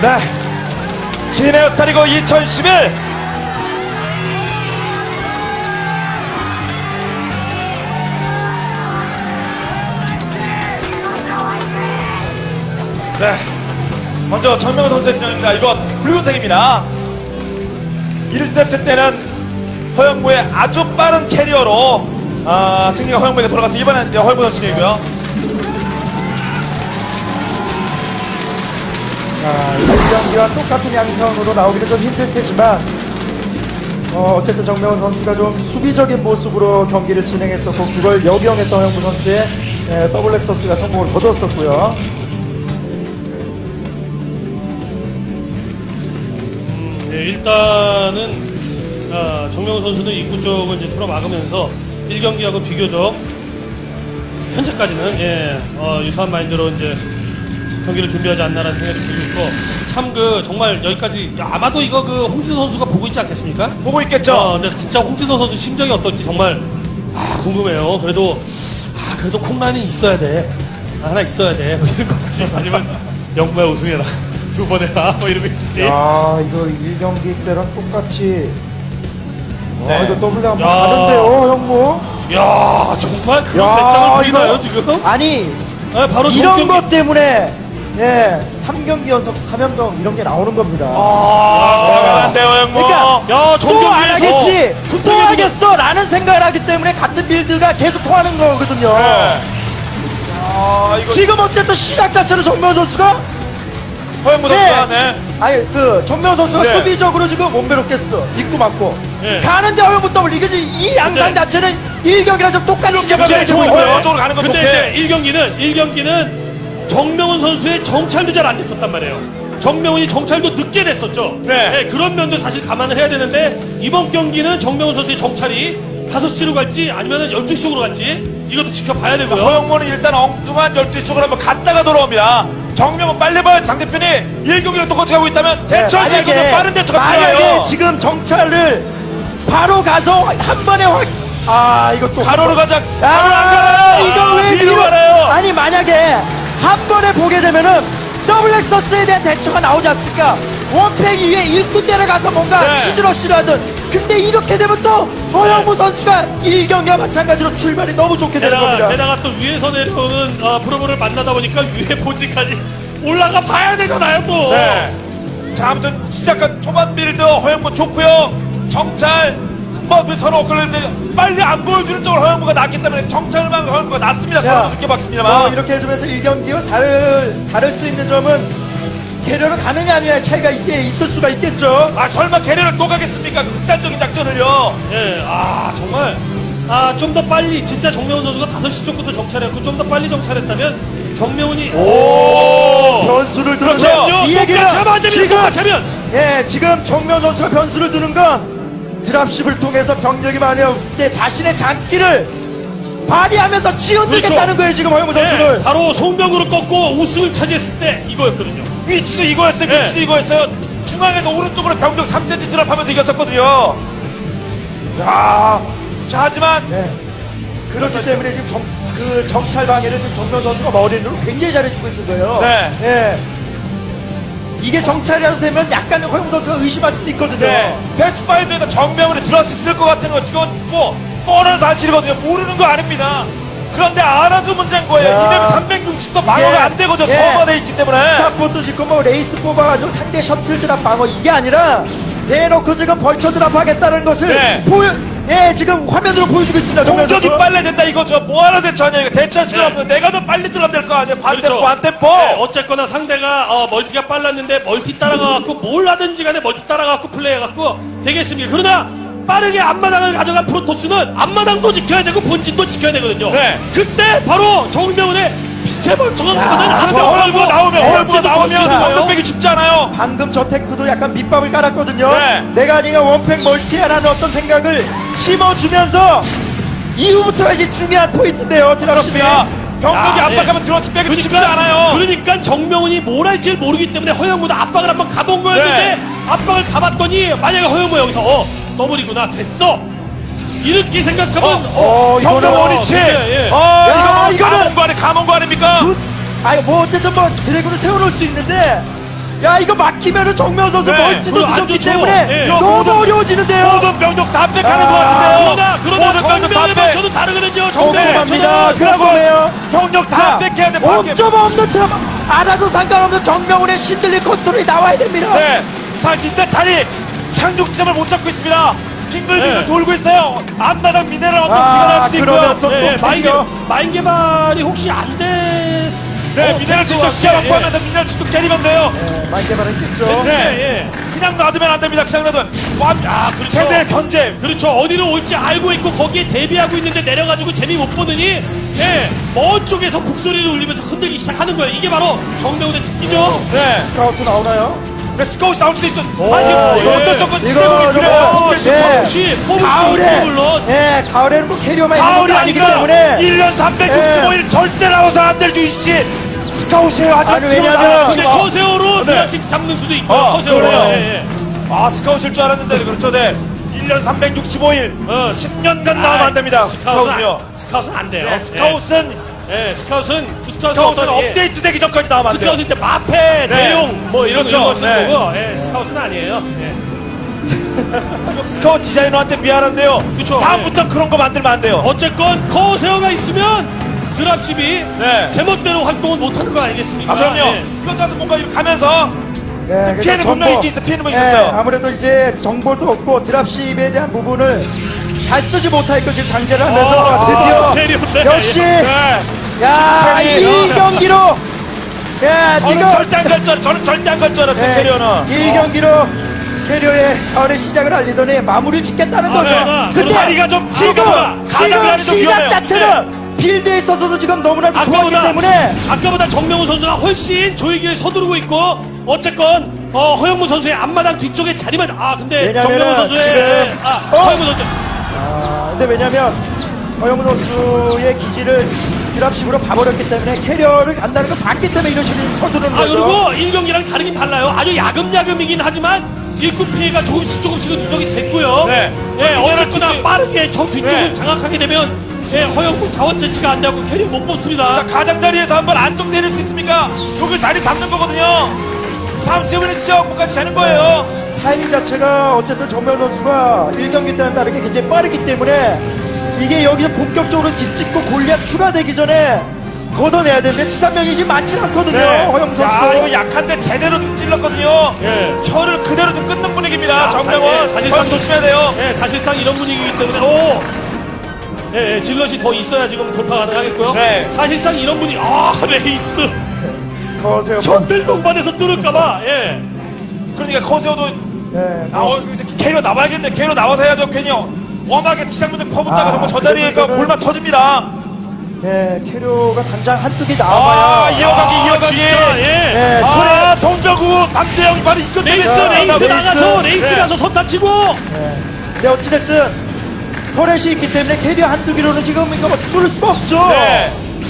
네. 진에어 스타리그 2011. 네. 먼저 정명훈 선수의 진영입니다. 이거 붉은색입니다. 1세트 때는 허영무의 아주 빠른 캐리어로 승리가 허영무에게 돌아가서 이번엔 허영무 선수 진영이고요. 자, 이번 경기와 똑같은 양상으로 나오기는 좀 힘들 테지만 어쨌든 정명훈 선수가 좀 수비적인 모습으로 경기를 진행했었고 그걸 역이용했던 허영무 선수의 더블 렉서스가 성공을 거뒀었고요. 네, 일단은 정명훈 선수는 입구 쪽을 이제 틀어막으면서 1경기하고 비교적 현재까지는 유사한 마인드로 이제 경기를 준비하지 않나라는 생각이 들고 있고 참 정말 여기까지 아마도 이거 홍진호 선수가 보고 있지 않겠습니까? 보고 있겠죠? 근데 진짜 홍진호 선수 심정이 어떨지 정말 궁금해요. 그래도 콩라인이 있어야 돼. 하나 있어야 돼. 뭐 이런 거지. 아니면 영구야 우승해라. 두 번 해라. 뭐 이러고 있을지. 야, 이거 1경기 때랑 똑같이 네. 이거 더블 한번 야. 가는데요, 형무. 야 정말 그런 야, 배짱을 보이나요 이거- 지금? 아니 바로 이런 정경기. 것 때문에 3경기 연속 3연병 이런 게 나오는 겁니다. 대단한데요, 허영무. 그러니까 야, 또 안 하겠지, 또 손톱이 하겠어 라는 생각을 하기 때문에 같은 빌드가 계속 통하는 거거든요. 네. 이거 지금 어쨌든 시작 자체는 정명훈 선수가 허영무 선수가 네. 아니 정명훈 선수가 네. 수비적으로 지금 원배롭겠어 입구 맞고 네. 가는데 허영무 더블 이게 지금 이 양상 네. 자체는 1경기랑 좀 똑같이 이렇게 지금 제일 좋은 거예요. 네. 저쪽으로 가는 거 근데 좋게. 이제 1경기는 정명훈 선수의 정찰도 잘 안 됐었단 말이에요. 정명훈이 정찰도 늦게 됐었죠. 네. 그런 면도 사실 감안을 해야 되는데 이번 경기는 정명훈 선수의 정찰이 5시로 갈지 아니면 12시 쪽으로 갈지 이것도 지켜봐야 되고요. 허영무는 일단 엉뚱한 12시 쪽으로 한번 갔다가 돌아옵니다. 정명은 빨리 봐야 상대편이 1경기랑 똑같이 하고 있다면 대처할 수 있거든요. 빠른 대처가 만약에 필요해요. 지금 정찰을 바로 가서 한 번에 이것도 가로로 가자. 가로로 안 가요. 이거 왜 뒤로 가요. 아니 만약에 한 번에 보게 되면은 더블 렉서스에 대한 대처가 나오지 않습니까? 원팩 위에 일꾼 내려가서 뭔가 네. 치즈러시를 하든 근데 이렇게 되면 또 허영무 선수가 1경기와 마찬가지로 출발이 너무 좋게 되는 겁니다. 게다가 또 위에서 내려오는 프로모를 만나다 보니까 위에 본지까지 올라가 봐야 되잖아요 또. 네. 자, 아무튼 시작한 초반 빌드 허영무 좋고요. 정찰 서로 엇갈리는데 빨리 안 보여주는 쪽으로 허영무가 낫기 때문에 정찰만 허영무가 낫습니다. 서로 늦게 박습니다만. 이렇게 해주면서 1경기와 다를 수 있는 점은 캐리어를 가느냐 아니냐 차이가 이제 있을 수가 있겠죠. 설마 캐리어를 또 가겠습니까? 극단적인 작전을요. 예, 정말 좀 더 빨리 진짜 정명훈 선수가 5시 쪽부터 정찰했고 좀 더 빨리 정찰했다면 정명훈이 변수를 두는 그렇죠. 거. 이 얘기는 똑같이 하면 안 됩니다. 똑같이 하면. 지금 정명 선수가 변수를 두는 건 드랍십을 통해서 병력이 많이 없을 때 자신의 장기를 발휘하면서 치어들겠다는 그렇죠. 거예요 지금 허영무 선수를. 바로 송병구를 꺾고 우승을 차지했을 때 이거였거든요. 위치도 이거였어요. 네. 위치도 이거였어요. 중앙에서 오른쪽으로 병력 3cm 드랍하면서 이겼었거든요. 야, 자, 하지만 그렇기 때문에 지금 정찰 방해를 지금 정명 선수가 머리로 굉장히 잘해주고 있는 거예요. 네. 이게 정찰이라도 되면 약간 허영무 선수가 의심할 수도 있거든요. 네. 패스파인더에다 정명으로 들어왔을 것 같은 거 이건 뭐 뻔한 사실이거든요. 모르는 거 아닙니다. 그런데 알아도 문제인 거예요. 야. 이되면 360도 방어가 안 되거든요. 서버돼 있기 때문에. 스타포도 짓고 뭐 레이스 뽑아가지고 상대 셔틀 드랍 방어 이게 아니라 대놓고 지금 벌처 드랍 하겠다는 것을 네. 지금 화면으로 보여주고 있습니다. 정명 공격이 선수. 빨라야 된다 이거죠. 뭐하러 대처하냐 이거. 대처할 시간 없는 내가 더 빨리 들어가면 될 거 아니에요. 반대포 반대포. 네, 어쨌거나 상대가 멀티가 빨랐는데 멀티 따라가갖고 뭘 하든지 간에 멀티 따라가갖고 플레이해갖고 되겠습니다. 그러나 빠르게 앞마당을 가져간 프로토스는 앞마당도 지켜야 되고 본진도 지켜야 되거든요. 네. 그때 바로 정명훈의 빛의 벌처가 나거든. 저 얼굴 나오면 얼굴 나오면 그렇죠. 언덕 빼기 쉽지 않아요. 방금 저 테크도 약간 밑밥을 깔았거든요. 네. 내가 아니가 원팩 멀티하라는 어떤 생각을 심어주면서 이후부터가 이제 중요한 포인트인데요. 드랍십이. 그렇습니다. 병력이 야, 압박하면 들어치 빼기 쉽지 않아요. 그러니까 정명훈이 뭘 할지 모르기 때문에 허영무도 압박을 한번 가본 거였는데 네. 압박을 가봤더니 만약에 허영무 여기서 더블이구나 됐어 이렇게 생각하면 병력 원위치. 예. 이거는 감원 거 아닙니까? 뭐 어쨌든 뭐 드래곤을 세워놓을 수 있는데 야 이거 막히면은 정명 선수 네. 멀티도 그리고 안 늦었기 좋죠. 때문에 네. 너무 모든- 어려워지는데요. 모든 병력 다 빽하는 아, 것 같은데요. 그러나 모든 병력 다 정면에 빽. 저도 다르거든요. 정면 꼼꼼합니다. 저는 꼼꼼해요. 병력 다 빽해야 돼. 밖에. 5점 없는 트럼 알아도 상관없는 정명훈의 신들린 컨트롤이 나와야 됩니다. 네. 자, 일단 자리 착륙점을 못 잡고 있습니다. 빙글빙글 네. 돌고 있어요. 앞마당 미네랄 언덕 아, 기가 날 수도 있고요. 그러면서 네, 또 마인, 캐리어. 마인 개발이 혹시 안 됐... 네, 미네랄 직접 시야 확보하면서 미네랄 직접 때리면 돼요. 네, 많이 개발했겠죠. 네. 그냥 놔두면 안 됩니다. 그냥 놔두면. 아, 그렇죠. 최대 견제. 그렇죠. 어디로 올지 알고 있고 거기에 대비하고 있는데 내려가지고 재미 못 보느니 예, 먼 쪽에서 북소리를 울리면서 흔들기 시작하는 거예요. 이게 바로 정명훈의 특기죠. 네. 스카우트 나오나요? 네, 스카웃이 나올 수도 있죠. 오, 아니, 지금 예. 어떤 조건 이거, 지대복이 이거, 필요해요. 예. 혹시 뽑을 수 가을에, 있지 물론. 예, 가을에는 뭐 캐리어만 있는 가을이 것도 아니기 아니라 때문에 1년 365일 절대 나와서 안 될 주이씨 스카웃이에요. 아주 아니, 지금 왜냐면 나와요. 근데 커세어로 네. 드라식 잡는 수도 있고 어, 커세어로. 그래요. 예, 예. 아, 스카웃일 줄 알았는데 그렇죠. 네. 1년 365일 10년간 나오면 안 됩니다. 스카웃은요. 스카웃은 안 돼요. 네, 스카웃은 스카웃은 스카웃은 업데이트 되기 전까지 나오면 안 돼요. 스카웃은 이제 마패, 대용 뭐 이런 그렇죠. 거 쓰는 네. 거고 스카웃은 아니에요. 예. 스카웃 디자이너한테 미안한데요. 그쵸. 다음부터 그런 거 만들면 안 돼요. 어쨌건 커세어가 있으면 드랍십이 네. 제멋대로 활동을 못하는 거 아니겠습니까? 아, 그럼요. 예. 이것 가서 뭔가 이렇게 가면서 예, 피해는 그래서 분명히 정보, 있긴 피해는 예, 있었어요. 아무래도 이제 정보도 없고 드랍십에 대한 부분을 잘 쓰지 못하니까 지금 강제를 하면서 드디어 캐리어인데. 역시 네. 야, 캐리어. 이 경기로 야, 저는 이거 절대 안 갈 줄, 저는 절대 안 갈 줄 알았어요, 예, 캐리어는. 이 경기로 캐리어의 가을의 시작을 알리더니 마무리를 짓겠다는 거죠. 네. 근데 자리가 좀 지금 가장자리 좀 시작 위험해요. 자체는 필드에 있어서도 지금 너무나도 좋았기 아까보다 때문에 아까보다 정명훈 선수가 훨씬 조이기를 서두르고 있고 어쨌건 허영무 선수의 앞마당 뒤쪽에 자리만 근데 왜냐면은 정명훈 선수의 지금 허영무 선수 근데 왜냐면 허영무 선수의 기지를 드랍식으로 봐버렸기 때문에 캐리어를 간다는 걸 봤기 때문에 이런 식으로 서두르는 거죠. 그리고 1경기랑 다르긴 달라요. 아주 야금야금이긴 하지만 일꾼 피해가 조금씩은 누적이 됐고요. 네. 예, 어쨌거나 뒤쪽- 빠르게 저 뒤쪽을 네. 장악하게 되면 허영무 자원 채취가 안 되고 캐리어 못 뽑습니다. 자, 가장자리에서 한번 안쪽 내릴 수 있습니까? 여기 자리 잡는 거거든요. 잠시 후에 지역까지 되는 거예요. 타이밍 자체가 어쨌든 정명 선수가 1경기 때는 다르게 굉장히 빠르기 때문에 이게 여기서 본격적으로 집 짓고 골리앗 추가되기 전에 걷어내야 되는데 치산명이 지금 많지는 않거든요. 허영 선수. 야, 이거 약한데 제대로 좀 찔렀거든요. 예. 혀를 그대로 좀 끊는 분위기입니다. 야, 정명원. 사실상 조심해야 돼요. 사실상 이런 분위기이기 때문에 질럿이 더 있어야 지금 돌파 가능하겠고요. 네. 사실상 이런 분위기 레이스 거세요. 전들 동반해서 뚫을까봐 그러니까 커세어도 예, 캐리어 나와야겠네. 캐리어 나와서 해야죠. 괜히 워낙에 치장분들 퍼붓다가 정말 저 자리에 그러면은- 골만 터집니다. 예, 캐리어가 당장 한두 개 나와봐야. 이어가기. 진짜 예, 송병구 3대0 바로 이것 때문에 레이스 나가서 레이스 네. 가서 손 다치고 근데 어찌됐든 터렛이 있기 때문에 캐리어 한두 개로는 지금 이거 뚫을 수가 없죠. 네.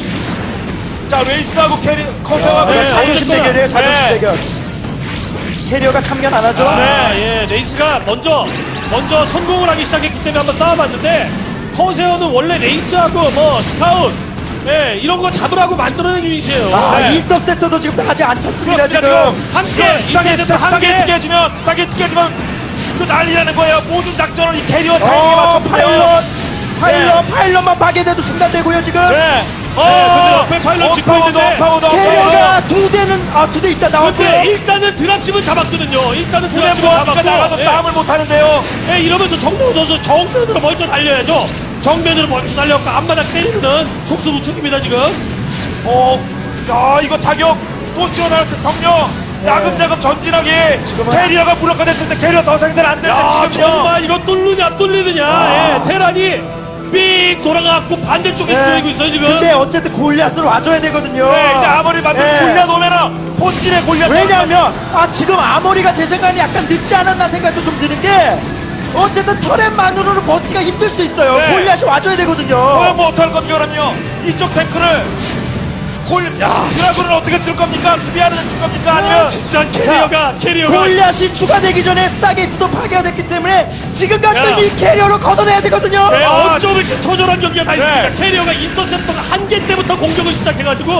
자, 레이스하고 커세어가 네, 자존심 어쨌거나. 대결이에요, 자존심 네. 대결. 캐리어가 참견 안 하죠. 레이스가 먼저 성공을 하기 시작했기 때문에 한번 싸워봤는데 커세어는 원래 레이스하고 뭐 스카웃 이런 거 잡으라고 만들어낸 유닛이에요. 이 인터셉터도 지금 아직 안 찼습니다, 그렇습니다. 지금. 지금 한개 인터셉터 타겟 한개 tı게주면 이거 난리라는 거예요. 모든 작전을 이 캐리어 타이밍에 맞춰 파요. 파일럿만 파괴돼도 중단되고요, 지금. 네. 옆에 파일럿 짚고 있는데 캐리어가 두 대 있다 나왔고요. 근데 일단은 드랍십을 잡았거든요. 일단은 그래 드랍십을 뭐하니까 나가도 잡았고 싸움을 못 하는데요. 이러면서 정명훈 선수 정면으로 먼저 달려야죠. 정면으로 먼저 달려갖고 앞마당 때리는 속수무책입니다 지금. 야, 이거 타격 또 지원하는 병력. 야금야금 전진하게 지금은- 캐리어가 무력화 됐을 때 캐리어 더 상대는 안 되는데 야 지금요. 정말 이거 뚫느냐 테란이 삑 돌아가갖고 반대쪽에 쏘이고 있어요 지금. 근데 어쨌든 골리앗으로 와줘야 되거든요. 네, 이제 아무리 만들고 네. 골리앗 오면은 본질에 골리앗 왜냐하면 지금 아머리가 제 생각에 약간 늦지 않았나 생각도 좀 드는 게 어쨌든 터렛만으로는 버티기가 힘들 수 있어요. 네. 골리앗이 와줘야 되거든요. 뭐 어떡할 겁니까 그럼요. 이쪽 탱크를 드라군을 어떻게 쓸 겁니까? 수비하는 쓸 겁니까? 아니면 진짜 캐리어가 골리앗이 추가되기 전에 스타게이트도 파괴가 됐기 때문에 지금까지는 야. 이 캐리어로 걷어내야 되거든요. 어쩜 이렇게 처절한 경기가 다 있습니까? 네. 캐리어가 인터셉터가 한 개 때부터 공격을 시작해가지고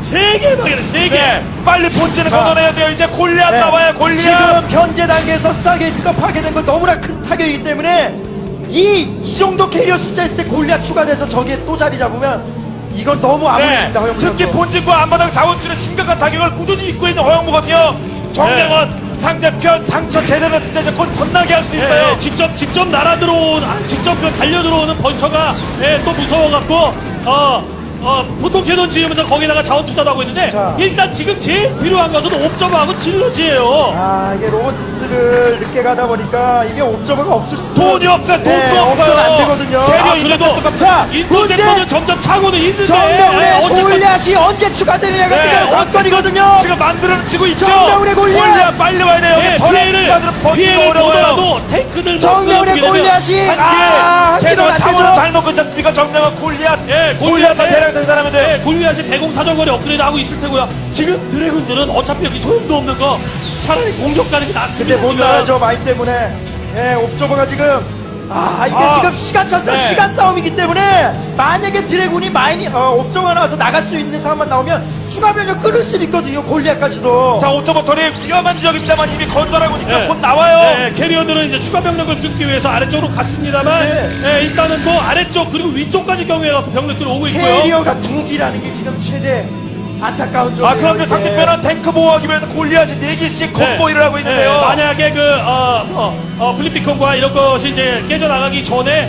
3개 방해를 3개. 네, 빨리 본진을 자. 걷어내야 돼요. 이제 골리앗 네. 나와요. 골리앗. 지금 현재 단계에서 스타게이트가 파괴된 건 너무나 큰 타격이기 때문에 이 정도 캐리어 숫자 있을 때 골리앗 추가돼서 저기에 또 자리 잡으면 이건 너무 네, 아무리집니다. 허영무 특히 선수. 본진과 앞마당 자원줄에 심각한 타격을 꾸준히 입고 있는 허영무거든요. 정명은 상대편 상처 제대로 했을 때 이제 곧 덧나게 할 수 있어요. 예, 직접 날아 들어온, 직접 그 달려 들어오는 번처가 또 무서워갖고 보통 캐논 지으면서 거기다가 자원 투자도 하고 있는데 자. 일단 지금 제일 필요한 것은 옵저버하고 질러지예요. 아 이게 로보틱스를 늦게 가다 보니까 이게 옵저버가 없을 수 돈이 없어요. 돈도 네, 없어요. 없어서 안 되거든요. 캐리어 아, 그래도 인터셉터 자 인터셉터는 문제 점점 차고는 있는데 정명훈의 어쨌건 골리앗이 언제 추가되느냐가 네, 지금 관건이거든요. 지금 만들어지고 있죠. 정명훈의 골리앗! 빨리 와야 돼요. 예, 피해를 보더라도 탱크들 정명훈의 골리앗이 한 걔도 기도 안 차원을 되죠. 잘 먹고 있지 않습니까? 정명은 골리앗. 예, 골리앗을 대량 생산하면 돼요. 예, 골리앗이 대공 사정거리 업그레이드 하고 있을 테고요. 지금 드래곤들은 어차피 여기 소용도 없는 거 차라리 공격 가는 게 낫습니다. 근데 못 나가죠 마인 때문에. 예, 옵저버가 지금 이게 지금 시간 차싸움, 네. 시간 싸움이기 때문에 만약에 드래곤이 마인이 옵저버가 나와서 나갈 수 있는 상황만 나오면 추가 변력 끊을 수 있거든요. 골리앗까지도. 자, 오토버터리 위험한 지역입니다만 이미 건설하고 있으니까 예. 곧 나와요. 네, 캐리어들은 이제 추가 병력을 끊기 위해서 아래쪽으로 갔습니다만 네. 예, 일단은 또 아래쪽 그리고 위쪽까지 경유해갖고 병력들이 오고 있고요. 캐리어가 두 기라는 게 지금 최대 안타까운 점이에요. 아, 그럼요. 이게. 상대편은 탱크 보호하기 위해서 골리앗이 4개씩 콤보일을 하고 있는데요. 네, 만약에 플리피콘과 이런 것이 이제 깨져나가기 전에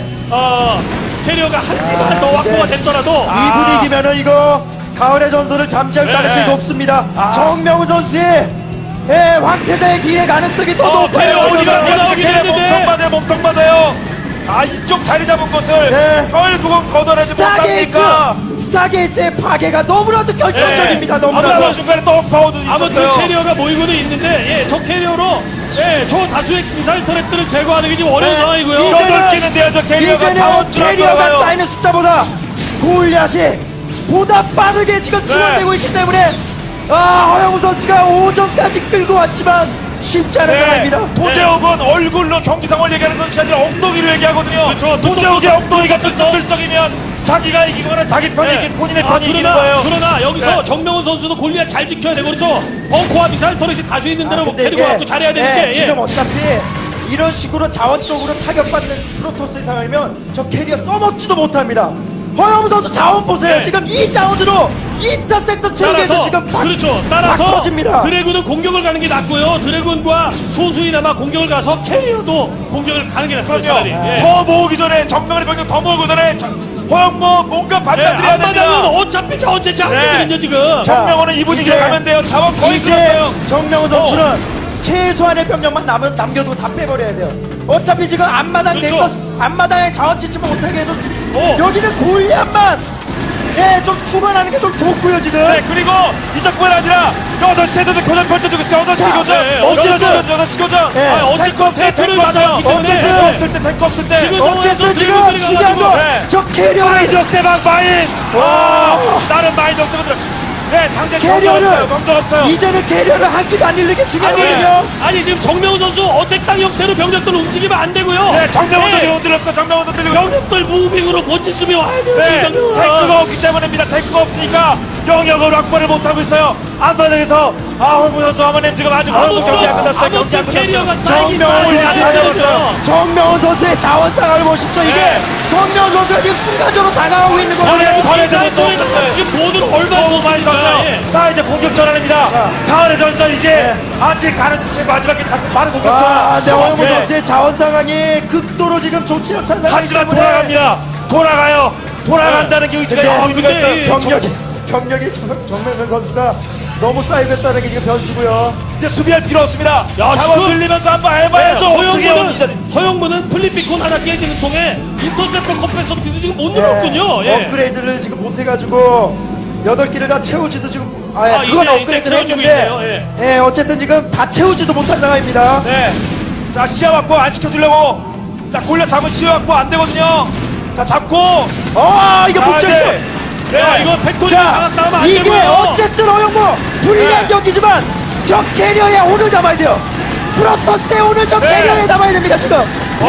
캐리어가 한 기만 더 확보가 네. 됐더라도 이 분위기면은 이거 가을의 전설을 잠재울 네. 가능성이 높습니다. 정명훈 선수의 황태자의 기회 가능성이 더 높아요. 캐리어 지금. 어디가 나오긴 했는데. 몸통 맞아요. 아, 이쪽 자리 잡은 것을 네. 결국은 걷어내지 스타게이트! 못합니까? 스타게이트의 파괴가 너무나도 결정적입니다. 네. 너무나도. 아무튼 중간에 또 파워도 아무튼 있었어요. 캐리어가 모이고는 있는데 저 캐리어로 저 다수의 미사일 터렛들을 제거하는 게 지금 어려운 네. 상황이고요. 이제- 여덟 개는 돼야죠. 캐리어가 이제는 자원줄 캐리어가 들어가요. 쌓이는 숫자보다 골리앗이 보다 빠르게 지금 네. 충원되고 있기 때문에 허영우 선수가 5점까지 끌고 왔지만 쉽지 않은 네. 상황입니다. 도재욱은 얼굴로 경기 상황을 얘기하는 것이 아니라 엉덩이로 얘기하거든요. 그렇죠. 도재욱의 들썩, 엉덩이가 들썩. 들썩이면 자기가 이기거나 자기 편이 이긴 본인의 편이 이기는 그러나, 거예요. 그러나 여기서 네. 정명훈 선수도 골리앗 잘 지켜야 되고 그렇죠. 벙커와 미사일 터렛이 다수 있는 데로 근데 데리고 이게, 갖고 잘해야 되는데 지금 어차피 이런 식으로 자원적으로 타격받는 프로토스의 상황이면 저 캐리어 써먹지도 못합니다. 허영우 선수 자원 보세요. 네. 지금 이 자원으로 인터셉터 체육에서 따라서 지금 막, 그렇죠. 막 따라서 터집니다. 드래곤은 공격을 가는 게 낫고요. 드래곤과 소수이나마 공격을 가서 캐리어도 공격을 가는 게 낫습니다. 차라리. 그럼요. 예. 더 모으기 전에 정명의 병력 더 모으기 전에 허영모 뭔가 예, 받아들여야 앞마당은 됩니다. 어차피 저 어째 안 네. 되거든요 지금. 정명호는 이 분위기로 이제- 가면 돼요. 자원 거의 이제 끝났어요. 정명훈 선수는 최소한의 병력만 남겨두고 다 빼버려야 돼요. 어차피 지금 앞마당 그렇죠. 넥서스 앞마당에 자원 지침을 못하게 해도 어. 여기는 골리앗만 좀 추가하는 게 좀 좋고요 지금. 네, 그리고 이적뿐 아니라 6시에도 교전 펼쳐주고 있어요. 6시 자, 교전. 네, 6시 교전. 네. 어쨌건 탱크 탱크를 없어요. 맞았기 때문에 탱크 없을 때, 탱크 없을 때. 지금 어쨌든 지금 드래곤들이 중요한 가가지고, 네. 건저 캐리어를 마인 대박 마인. 와, 다른 마인 없으면 들어. 네, 상대 경도 없어요. 경도 없어요. 이제는 캐리어를 한 끼도 안 잃는 게 중요하거든요. 아니 지금 정명훈 선수 어택당 형태로 병력들 움직이면 안 되고요. 네, 정명원도 네, 지금 흔들렸어. 정명원도 흔들리고. 병력들 무빙으로 멋진 수비 와야 돼요. 네, 지금 정명훈. 탱크가 없기 때문입니다. 탱크가 없으니까 영역을 확보를 못하고 있어요. 앞바닥에서 홍구 선수 어머님 지금 아직 아무튼 경기 안 끝났어요. 경기 안 아무튼 캐리어가 끝났어요. 쌓이긴 정명훈 쌓여야 선수 되거든요. 정명훈 선수의 자원상을 보십시오. 이게 네. 정명훈 선수가 지금 순간적으로 다가오고 있는 거예요. 버려져서 또 없는데. 지금 돈을 얼마 너무 많이 썼습니까? 썼어요. 예. 자, 이제 공격 전환입니다. 가을의 전선 이제 아직 가는 제 마지막에 자꾸 바로 공격 전환. 네, 허영우 네. 선수의 자원 상황이 극도로 지금 좋지 못한 상황이기 하지만 때문에 돌아갑니다. 돌아가요. 돌아간다는 게 의지가 네, 있고 의미가 근데 있어요. 병력이 정명훈 선수가 너무 쌓이겠다는 게 지금 변수고요. 이제 수비할 필요 없습니다. 야, 자원 지금- 들리면서 한번 해봐야죠. 어떻게 해요, 이제. 허영무는 플립비콘 하나 깨지는 통에 인터셉터 컴패서티도 지금 못 눌렀군요. 예. 업그레이드를 지금 못해가지고 8개를 다 채우지도 지금 아, 그건 이제 업그레이드를 채워지고 했는데 있네요. 어쨌든 지금 다 채우지도 못한 상황입니다. 네. 자, 시야 확보 안 시켜주려고. 자, 골려 잡은 시야 확보 안 되거든요. 자, 잡고. 이거 자, 못 이제. 채웠어. 네. 야, 이거 팩토리 자, 장악당하면 안 이게 되고요. 어쨌든 허영무 불리한 네. 경기지만 저 캐리어에 오늘 담아야 돼요. 프로토스에 오늘 저 네. 캐리어에 담아야 됩니다 지금.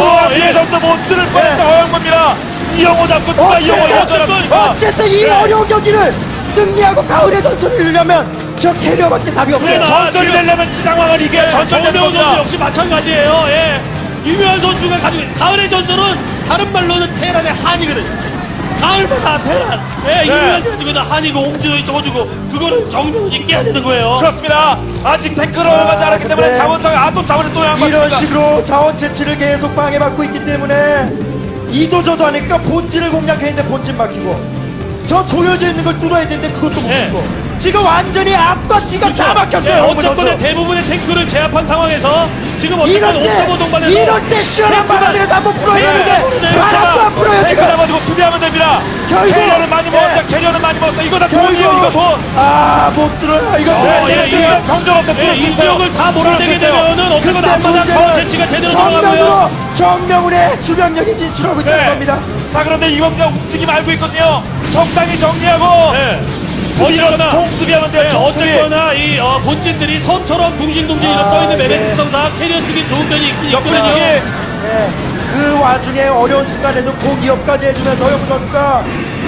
위에서부터 못 들을 뻔했다. 네. 허영무입니다. 이영호 잡고 누가 이영호 어쨌든, 잡잖아. 어쨌든 이 네. 어려운 경기를 승리하고 가을의 전술을 이루려면 저 캐리어밖에 답이 없어요. 그래, 전설이 지금- 되려면 이 상황을 이겨야 전설이 되는 정명훈 선수 겁니다. 역시 마찬가지예요. 예. 유명한 선수가 가지고 있는 가을의 전설은 다른 말로는 테란의 한이거든요. 가을마다 테란. 예, 유명한 게 가지고 있는 한이고 옹지도 있어가지고 그거를 정명훈이 깨야 되는 거예요. 그렇습니다. 아직 탱크로 가지 않았기 때문에 네. 자원상에 또 자원을 또 이런 양보합니다. 식으로 자원 채취를 계속 방해받고 있기 때문에 이도저도 하니까 본진을 공략해야 되는데 본진 막히고 저 조여져 있는 걸 뚫어야 되는데 그것도 못 네. 뚫고 지금 완전히 앞과 뒤가 다 막혔어요. 예, 홍구 어쨌거나 선수. 대부분의 탱크를 제압한 상황에서 지금 어쨌거나 이럴 옥저버 때 동반해서 이럴 때 시원한 바람이라도 한번 불어야 되는데 바람도 안 불어요 탱크 지금. 잡아주고 수비하면 됩니다. 결국- 캐리어는 많이 먹었어요. 네. 캐리어는 많이 먹었어요. 이거 다 돈이에요. 이거 돈. 못 들어요. 이거 예, 내가 예. 지금 병정 없어. 예, 이 지역을 다 몰아내게 되면은 어쨌거나 앞마당 자원 채취가 제대로 들어가고요. 정면으로 정명훈의 주변력이 진출하고 있다는 네. 겁니다. 자, 그런데 이번 그냥 움직임 알고 있거든요. 적당히 정리하고 예. 수비는 어쨌거나 총수비하면 돼요. 네, 총수비. 어쨌거나 이 본진들이 섬처럼 둥실둥실 떠있는 네. 매매 특성상 캐리어 쓰기 좋은 면이 있거든요. 역전이기 네. 그 와중에 어려운 순간에도 공기업까지 해주면서 허영무 선수가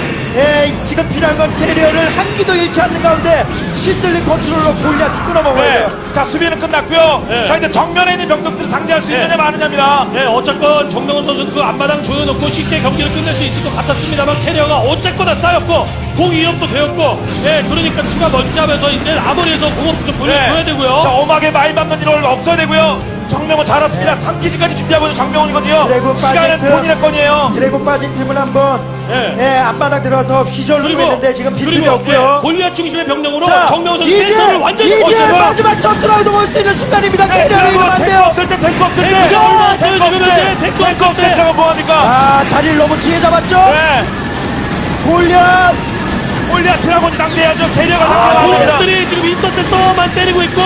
지금 필요한 건 캐리어를 한 기도 잃지 않는 가운데 신들린 컨트롤로 골리앗을 끊어먹어야 네. 돼요. 자, 수비는 끝났고요. 네. 자, 이제 정면에 있는 병력들을 상대할 수 네. 있느냐 마느냐입니다. 네, 어쨌건 정명훈 선수는 그 앞마당 조여놓고 쉽게 경기를 끝낼 수 있을 것 같았습니다만 캐리어가 어쨌거나 쌓였고 공 이업도 되었고 그러니까 추가 멀티하면서 이제 아무리해서 공업 좀 돌려줘야 자, 되고요. 엄하게 많이 받는 일은 없어야 되고요. 정명은 잘했습니다. 3기지까지 준비하고 있는 정명훈이거든요. 드래곤 시간은 빠진 본인의 건이에요. 드래곤 빠진 팀은 한번 네. 앞바닥 들어가서 휘저으려고 했는데 지금 빈틈이 없고요. 골리앗 중심의 병력으로 자, 정명훈 선수 이제 센터를 완전히 이제 멈추고 마지막 전투라도 볼 수 있는 순간입니다. 네, 캐리어를 이러면 안 탱크 돼요. 없을 때, 탱크 없을 때. 탱크 얼마 없어요, 탱크 지금 없을 현재. 때. 탱크 탱크 없을 없을 때. 때가 뭐합니까? 자리를 너무 뒤에 잡았죠. 네. 골리앗 골리앗 드라곤이 상대해야죠. 캐리어가 상대가 안 됩니다. 공업들이 지금 인터셉터만 때리고 있고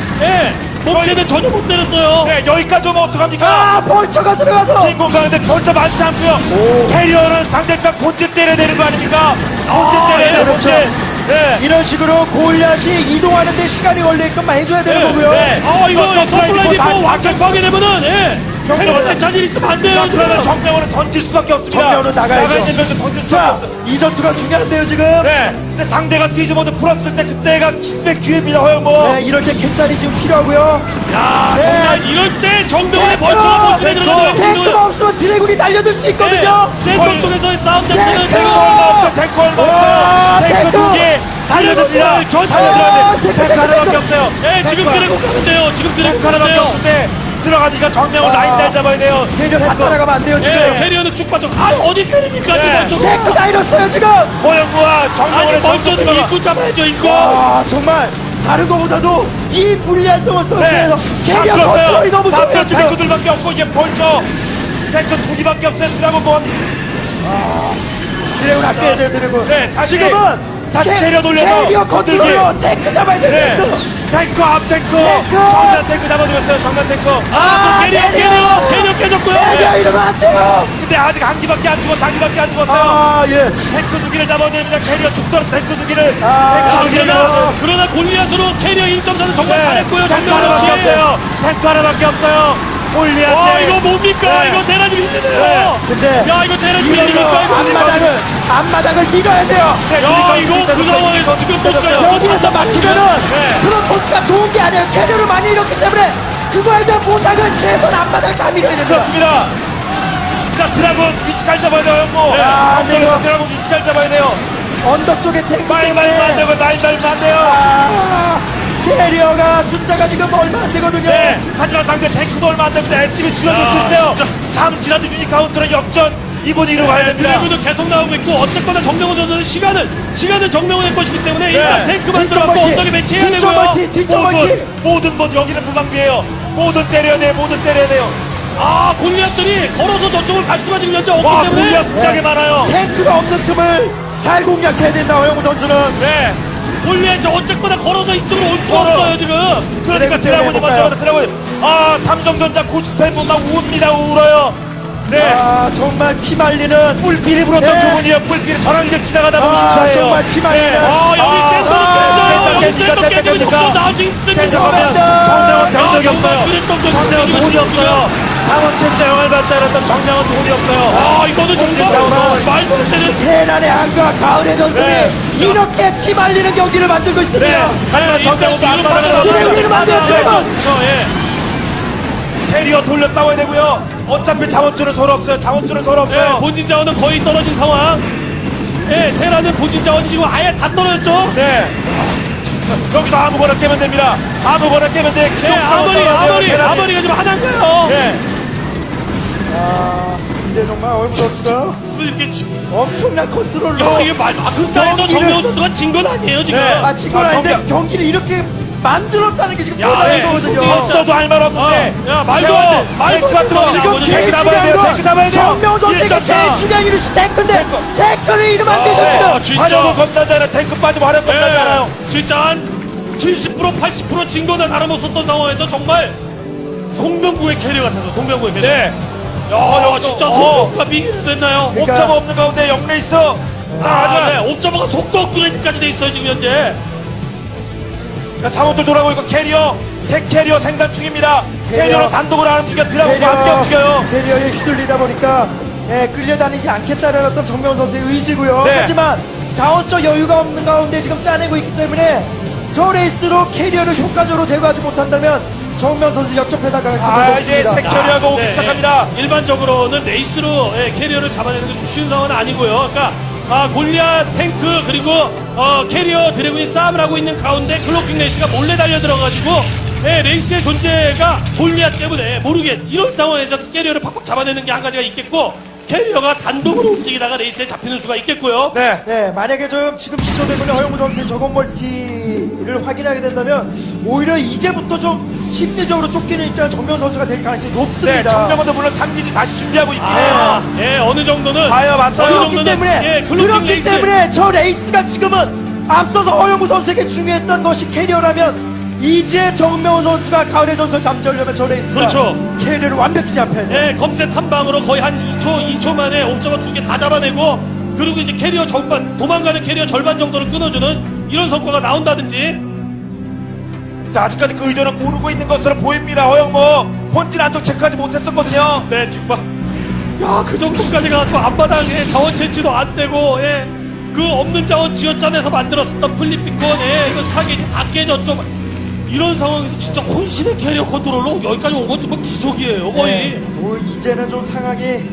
몸체는 전혀 못 때렸어요. 네, 여기까지 오면 어떡합니까? 벌처가 들어가서 빈 공간인데 벌써 많지 않고요. 캐리어는 상대편 본진 때려야 되는 거 아닙니까? 본진 때려야 돼요, 그렇죠. 본진. 네. 이런 식으로 골리앗이 이동하는데 시간이 걸리게끔만 해줘야 되는 거고요. 네. 이거 서플라이 다 디포 왕창 파괴되면은 생각할 자질 있으면 안 돼요. 자, 그러면 지금. 정명훈은 던질 수밖에 없습니다. 정명훈은 나가야죠. 나가 있는 병력 던질 수밖에 자, 없어요. 이 전투가 중요한데요 지금. 네. 근데 상대가 시즈 모드 풀었을 때 그때가 키스백 기회입니다, 허영모. 네, 이럴 때 캔짜리 지금 필요하고요. 야, 네. 정말 이럴 때 정명훈의 탱크! 벌처가 본진에 들어가면 탱크가 없으면 드래곤이 달려들 수 있거든요. 센터 거의- 쪽에서의 싸움 자체는 탱크! 지금 탱크 얼마 와, 없어요. 탱크 탱크! 두 개 달려듭니다. 탱크 전체 들어가야 돼. 탱크, 탱크 하나밖에 탱크. 없어요. 지금 탱크 드래곤 가면 돼요. 지금 드래곤 탱크 가면 하나밖에 돼요. 없는데 들어가니까 정명훈 와. 라인 잘 잡아야 돼요. 캐리어 다 따라가면 안 돼요 지금. 캐리어는 쭉 빠져. 어디 캐리니까 네. 지금 탱크 다 잃었어요 지금. 허영무와 아니 정명훈의 먼저 들어가. 입구 잡아야죠 입구. 정말 다른 거보다도 이 불리한 상황 속에서 다 캐리어 들었어요. 컨트롤이 너무 다 좋아요 들었어요. 지금. 탱크들밖에 없고 이게 벌써 탱크 두 개밖에 없어요. 드라곤. 드래곤 아껴야 돼요 드래곤. 네, 다시 지금은 캐리어 돌려서 캐리어 컨트롤로 탱크 잡아야 돼요. 네. 탱크. 탱크 앞 탱크. 탱크! 정면 탱크 잡아주겠어요. 정면 탱크. 캐리어 깨졌고요. 캐리어 이러면 안 돼요. 근데 아직 한 기밖에 안 죽었어. 한 기밖에 안 죽었어요. 예. 탱크 두 개를 잡아야 됩니다. 캐리어 죽도록 탱크 두 개를. 아, 탱크 두 개를 잡아야 돼요. 그러나 골리앗으로 캐리어 1.4는 정말 잘했고요. 탱크 정명훈 하나밖에 씨. 없어요. 탱크 하나밖에 없어요. 골리앗. 이거 뭡니까? 네. 이거 대란이 힘드네요. 네. 근데 야 이거 대란이 이걸로 힘듭니까? 이거? 앞마당을 밀어야 돼요. 야 이거 그 상황에서 지금 보스가 여기에서 막히면은 네. 프로토스가 좋은 게 아니에요. 캐리어를 많이 잃었기 때문에 그거에 대한 보상은 최소한 앞마당을 다 밀어야 됩니다. 그렇습니다. 자, 드라곤 위치 잘 잡아야 돼요, 형모. 안 돼요. 드라곤 위치 잘 잡아야 돼요. 언덕 쪽에 탱크 많이 때문에 안 되고, 많이 달면 안 돼요. 캐리어가 숫자가 지금 얼마 안 되거든요. 네. 하지만 상대 탱크도 얼마 안 됩니다. SB 줄여줄 수 있어요. 진짜. 잠시라도 유니카운트로 역전. 이번 이로 가야 됩니다. 드래곤도 계속 나오고 있고 어쨌거나 정명훈 선수는 시간은 정명훈의 것이기 때문에 일단 탱크만 뒤쪽 들어가고 멀티, 언덕에 배치해야 뒤쪽 되고요. 멀티, 뒤쪽 멀티. 모든 여기는 무방비예요. 모든 때려야 돼요. 모든 때려야 돼요. 골리앗들이 걸어서 저쪽을 갈 수가 지금 현재 없기 와, 때문에 무리가 무지하게 많아요. 탱크가 없는 틈을 잘 공략해야 된다. 허영우 선수는. 네. 골리앗이 어쨌거나 걸어서 이쪽으로 올 수가 걸어. 없어요 지금. 그러니까 드라곤이 먼저 가다 드라곤. 삼성전자 고스팬 막 웁니다. 울어요. 네. 정말 피말리는 뿔필이 불었던 네. 그분이요. 뿔필이 저랑 이제 지나가다 보면 인사해요. 정말 피말리는 여기 센터로 깨져요. 여기 깼습니까? 센터 깨지면 깼습니까? 역전 나올 수 있습니다. 정명은 병력이 정말 없어요. 그랬던 거 정명은 돈이 없어요. 자원 진짜 영향을 받지 않았던 정명은 돈이 없어요. 아, 이거는 본진 정말 자원은 말도 안 되는. 테란의 한과 가을의 전술이 네. 이렇게 피말리는 경기를 만들고 있습니다. 네. 하지만 정명은도 안 받아가서 뒤로 만들었어요. 그렇죠, 예. 캐리어 돌려 싸워야 되고요. 어차피 자원줄은 서로 없어요. 자원줄은 서로 예, 없어요. 본진 자원은 거의 떨어진 상황. 예, 테라는 본진 자원이 지금 아예 다 떨어졌죠. 네. 여기서 아무거나 깨면 됩니다. 아무거나 깨면 돼. 예, 아머리가 지금 하나인가요? 네. 이제 정말 얼무 선수가 이렇게 엄청난 컨트롤로 이게 극단에서 경기를- 정명훈 선수가 진 건 아니에요 지금. 네. 마친 건 아닌데 경기를 이렇게 만들었다는 게 지금 야, 대단한 예, 거거든요. 졌어도 할 말 없는데. 야, 말도 안 돼. 말도 안 돼. 지금 지금 탱크 제일 잡아야 돼요. 중요한 탱크 잡아야 건 돼요. 정명훈 선수가 1.4. 제일 중요한 이유는 탱크인데 탱크를 이러면 안 되죠 지금. 진짜. 화력은 겁나지 않아요. 탱크 빠지고 화력 겁나지 않아요. 진짜 한 70% 80% 진 거나 다름없었던 상황에서 정말 송병구의 캐리어 같아서 송병구의 캐리어. 네. 야, 진짜 송병구가 비기를 됐나요? 그러니까- 옵저버 없는 가운데 영레이스. 자, 아, 하지만 네. 옵저버가 속도 업그레이드까지 돼 있어요 지금 현재. 자원들 돌아오고 있고 캐리어 새 캐리어 생산 중입니다. 캐리어. 캐리어로 단독으로 하는 중이야. 드라곤과 함께 움직여요. 대리어에 휘둘리다 보니까 끌려다니지 않겠다는 어떤 정명훈 선수의 의지고요. 네. 하지만 자원적 여유가 없는 가운데 지금 짜내고 있기 때문에 저 레이스로 캐리어를 효과적으로 제거하지 못한다면 정명훈 선수 역전패달 가능성이 아, 이제 높습니다. 새 캐리어가 오기 네, 시작합니다. 일반적으로는 레이스로 캐리어를 잡아내는 게 쉬운 상황은 아니고요. 그러니까 골리앗 탱크 그리고 캐리어 드래곤이 싸움을 하고 있는 가운데 클로킹 레이스가 몰래 달려 들어가지고 레이스의 존재가 골리앗 때문에 모르게 이런 상황에서 캐리어를 팍팍 잡아내는 게 한 가지가 있겠고 캐리어가 단독으로 움직이다가 레이스에 잡히는 수가 있겠고요. 네. 네, 만약에 지금 시도되고 있는 허영무 선수의 저건 멀티를 확인하게 된다면 오히려 이제부터 좀 심리적으로 쫓기는 입장은 정명훈 선수가 될 가능성이 높습니다. 네, 정명원도 물론 3기지 다시 준비하고 있긴 아, 해요. 예, 어느 정도는 봐요, 맞아요. 어느 그렇기 정도는, 때문에 클로킹 그렇기 레이스. 때문에 저 레이스가 지금은 앞서서 허영무 선수에게 중요했던 것이 캐리어라면 이제 정명훈 선수가 가을의 전설 잠재우려면 저 레이스가 그렇죠. 캐리어를 완벽히 잡혀야 돼요. 예, 검색 한 방으로 거의 한 2초 만에 옵저버 2개 다 잡아내고 그리고 이제 캐리어 절반 도망가는 캐리어 절반 정도를 끊어주는 이런 성과가 나온다든지. 자, 아직까지 그 의도는 모르고 있는 것으로 보입니다. 허영모 본진 안쪽 체크하지 못했었거든요. 네, 정말 야그 정도까지 가고 앞바닥에 자원 채취도 안 되고 그 없는 자원 쥐어짜내서 만들었었던 플립비콘 이거 사기 다 깨졌죠. 이런 상황에서 진짜 혼신의 캐리어 컨트롤로 여기까지 온 건 정말 기적이에요 거의. 네, 뭐 이제는 좀 상황이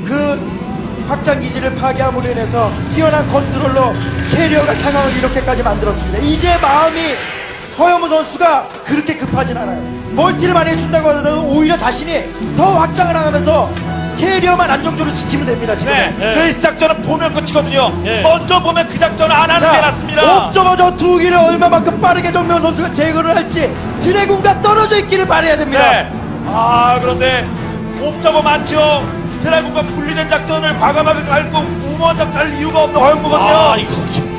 그 확장 기지를 파괴함으로 인해서 뛰어난 컨트롤로 캐리어가 상황을 이렇게까지 만들었습니다. 이제 마음이 허영무 선수가 그렇게 급하진 않아요. 멀티를 많이 해준다고 하더라도 오히려 자신이 더 확장을 하면서 캐리어만 안정적으로 지키면 됩니다. 지금. 네. 네. 레이스 작전은 보면 끝이거든요. 네. 먼저 보면 그 작전을 안 하는 게 낫습니다. 옵저버 저 두 기를 얼마만큼 빠르게 정명 선수가 제거를 할지 드래곤과 떨어져 있기를 바라야 됩니다. 네. 아, 그런데 옵저버 많죠. 드라군과 분리된 작전을 과감하게 밟고 우모한 작전할 이유가 없는 허영무거든요. 아 이거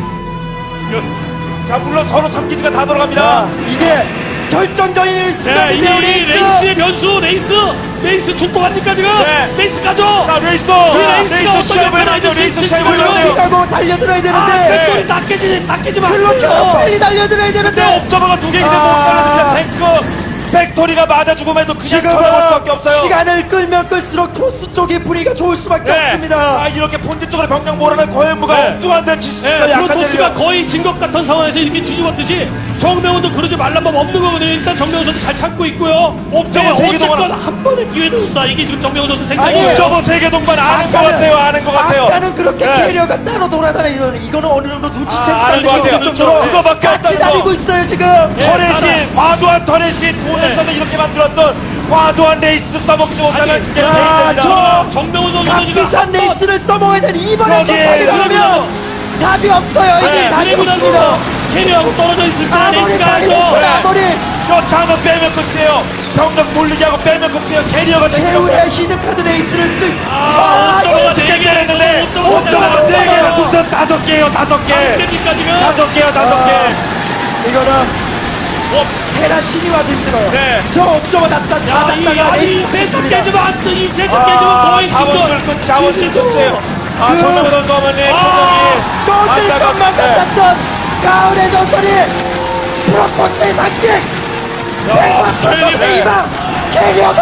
지금 자, 물론 서로 3기지가 다 자, 돌아갑니다. 이게 결정적인 네, 순간인데요, 레이스의 변수 레이스 출동합니까 지금? 네. 레이스 가죠. 자, 레이스! 레이스가 어떤 시합을 해야 역할을 돼요. 레이스 할지 시합을 해야 돼요. 가고 달려들어야 아, 되는데 팩토리 다 깨지면 안 클로킹 돼요. 빨리 달려들어야 근데 되는데 옵저버가 두 개인데 못 아. 달려듭니다. 탱크 팩토리가 맞아 죽음에도 그냥 지금은 쳐다볼 수밖에 없어요. 시간을 끌면 끌수록 토스 쪽의 분위기가 좋을 수밖에 네. 없습니다. 자, 이렇게 본진 쪽으로 병력 몰아낸 고현무가 네. 엉뚱한 데칠수 있어요. 네, 약한 프로토스가 데를요. 거의 진 것 같은 상황에서 이렇게 뒤집었듯이 정명훈도 그러지 말란 법 없는 거거든요. 일단 정명훈 선수 잘 참고 있고요. 옵저버 세개 어쨌건 동안- 한 번의 기회는 온다. 이게 지금 정명훈 선수 생각이에요. 아니에요. 옵저버 세계동반 아는 것 같아요. 아는 것 같아요. 아까는 그렇게 네. 캐리어가 따로 돌아다니는 이거는 어느 정도 눈치채고 아는 것 같아요. 정도로 그거밖에 같이 없다는 거. 다니고 있어요 지금. 터렛이 과도한 터렛이 돈을 써서 이렇게 만들었던 과도한 레이스 써먹지 못하면 아니, 이게 자, 페이입니다. 정명훈 선수도 지금 값비싼 한 번- 레이스를 써먹어야 되는 이번에 여기에 터뜨리려면 답이 없어요. 이제 네, 답이 드래곤하고 없습니다. 캐리어하고 떨어져 있을 때 아머리 레이스가 빨리 하죠. 됐어요. 아머리 여차하면 빼면 끝이에요. 병력 돌리게 하고 빼면 끝이에요. 캐리어가 최후의 히든카드 레이스를 쓸. 옵저버가 이거 네 개, 했는데 옵저버가 네 4개가 무슨 5개예요. 5개. 됩니까 지금? 5개요. 5개. 이거는 테라 신이와도 힘들어요. 네. 저 옵저버 납작 다 야, 잡다가 이 레이스 세트 습니다 깨지면 안 돼. 이 세트 깨지면 거의 자원줄 끝, 자원줄 끝이에요. 아, 정명훈 선수 어머니 꺼질 안타깝- 것만 네. 같았던 가을의 전설이 프로토스의 상징. 프로토스의 캐리어. 희망. 캐리어가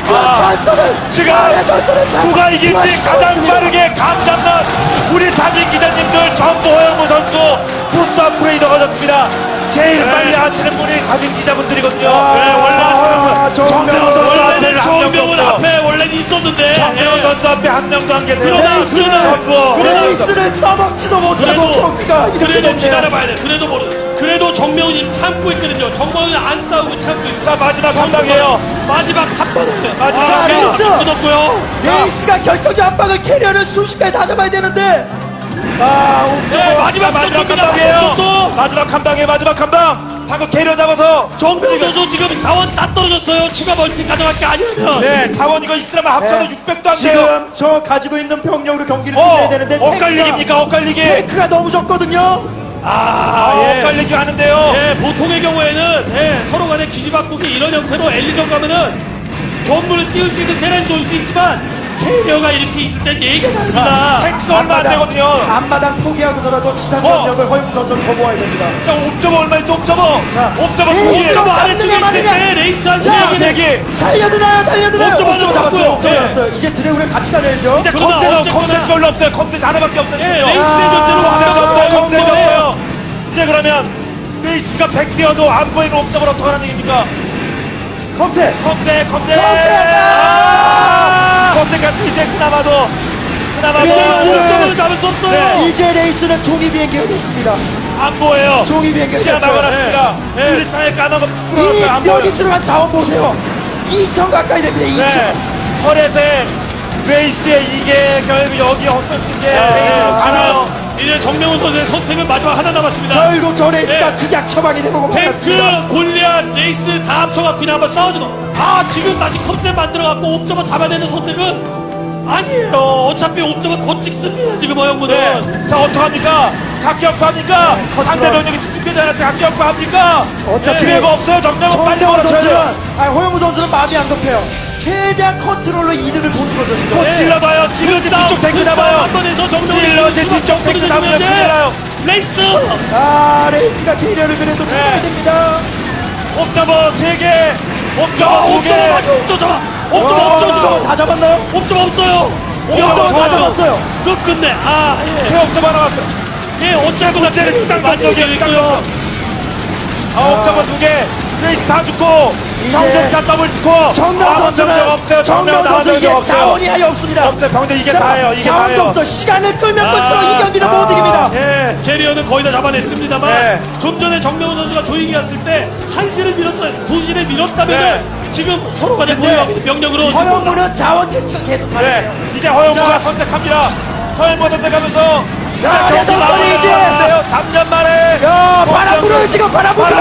그 전술을 지금 전술을 누가 이길지 가장 빠르게 감 잡는 우리 사진 기자님들 전부 허영무 선수 부스 업그레이드가 가졌습니다. 제일 빨리 하시는 분이 사진 기자분들이거든요. 원래 정명훈 선수 원래는 앞에는 한 명도 정명훈 없어요. 앞에 원래는 있었는데 정명훈 예. 선수 앞에 한 명도 안 계세요. 그러나 전부 레이스를 써먹지도 못하고 경기가 이렇게 그래도 됐네요. 기다려봐야 돼. 그래도 정명훈이 참고 있거든요. 정명훈이 안 싸우고 참고 있고. 자, 마지막 한 방이에요. 마지막 한 번을. 마지막 자, 한 방. 레이스! 끊었고요. 레이스가 결정적 한 방을 캐리어를 순식간에 다 잡아야 되는데 네, 마지막 마지막 한 전투입니다. 방이에요. 전투. 마지막 한 방에 마지막 한 방. 방금 캐리어 잡아서 정명훈 선수 지금 자원 다 떨어졌어요. 추가 멀티 가져갈 게 아니라면. 네, 자원 이거 있으려면 합쳐도 600도 안 돼요. 지금 저 가지고 있는 병력으로 경기를 끝내야 되는데 엇갈리기입니까? 엇갈리기. 테크가 너무 적거든요. 예. 엇갈리기 하는데요. 예, 보통의 경우에는 예, 서로 간에 기지바꾸기 이런 형태로 엘리전 가면은 견물을 띄울 수 있는 테란이 올 수 있지만 캐리어가 이렇게 있을 땐 얘기가 다릅니다. 탱크가 얼마 안 되거든요. 앞마당 포기하고서라도 지상 어. 병력을 허용무 선수는 거부해야 됩니다. 자, 옵저버 얼마인지 옵저버. 자, 옵저버 이 두 개. 옵저버 옵저버 아래쪽에 잡느냐 있을 때 마느냐. 레이스 한 자, 세 세 개. 개. 달려드나요? 옵저버 하나 잡고요. 옵저버 네. 잡았어요. 이제 드래곤을 같이 달려야죠. 이제 그러나 컴셋은 어쨌거나- 컴셋이 별로 없어요. 컴셋이 하나밖에 없어요. 예, 지금요. 레이스의 존재는 컴셋이 없어요. 완벽한 컴셋이 거예요. 없어요. 이제 그러면 레이스가 100대여도 안 보이는 옵저버를 어떻게 하는 얘기입니까? 컴셋. 컴셋. 컴셋! 컴셋 같은 이제 그나마도 레이스! 옵저버를 잡을 수 없어요. 네. 이제 레이스는 종이 비행기가 됐습니다. 안 보여요. 종이 비행기가 시야 됐어요. 막아놨습니다. 네. 유리창에 까놓은 거 이 뿌려놨어요. 안 보여요. 여기 들어간 자원 보세요. 2천 가까이 됩니다. 2천. 네. 헐에서의 레이스의 이게 결국 여기 어떤 수게 페이드로 가나요? 이제 정명훈 선수의 선택은 마지막 하나 남았습니다. 결국 저 레이스가 네. 극약 처방이 되고 말았습니다. 탱크, 골리앗, 레이스 다 합쳐갖고 그냥 한번 싸워주고. 지금 아직 컵셋 만들어갖고 옵저버 잡아내는 선택은 아니에요. 어차피 옵저버 더 찍습니다. 지금 허영무는. 네. 자, 어떡합니까? 각격파합니까? 상대 병력이 집중되지 않았어요. 각격파합니까? 어차피 기회가 없어요. 정명은 빨리 정명훈 몰아쳐야 선수는 돼요. 허영무 선수는 마음이 안 급해요. 최대한 컨트롤로 이득을 보는 거죠 지금. 또 질러봐요. 질러지 뒤쪽 탱크 잡아요. 한 번에서 정명훈이 질러지 뒤쪽 탱크 잡으면 큰일 나요. 레이스. 레이스가 캐리어를 그래도 잡아야 네. 됩니다. 옵저버 3개. 옵저버 2개. 옵저버 맞아. 옵저버 잡아. 옵저버 옵저버 다 잡았나요? 옵저버 없어요. 옵저버 다 잡았어요. 끝끝내. 예. 새 옵저버 하나 왔어요. 예, 어쨌거나 옵저버 시장 많이 단속이에요. 이기고요. 옵저버 2개. 레이스 다 죽고. 이제 경쟁차 더블 스코어. 정명 선수는 없어요. 정명 선수 이제 자원이 아예 없습니다. 없어요. 병대 이게 자, 다예요. 이게 자원도 다예요. 없어. 시간을 끌면 끌수록 이 경기는 못 이깁니다. 예, 캐리어는 거의 다 잡아냈습니다만 네. 좀 전에 정명훈 선수가 조이기 갔을 때 1시를 밀었어요. 2시를 밀었다면 네. 지금 서로 간에 근데 보유하게 병력으로 허영무는 자원 채취가 계속 네. 가네요. 이제 허영무가 자. 선택합니다. 허영무가 선택하면서 야, 경기 레전드 나오는데요. 이제. 3년 만에 야, 바람 불어요 지금 바람 불어.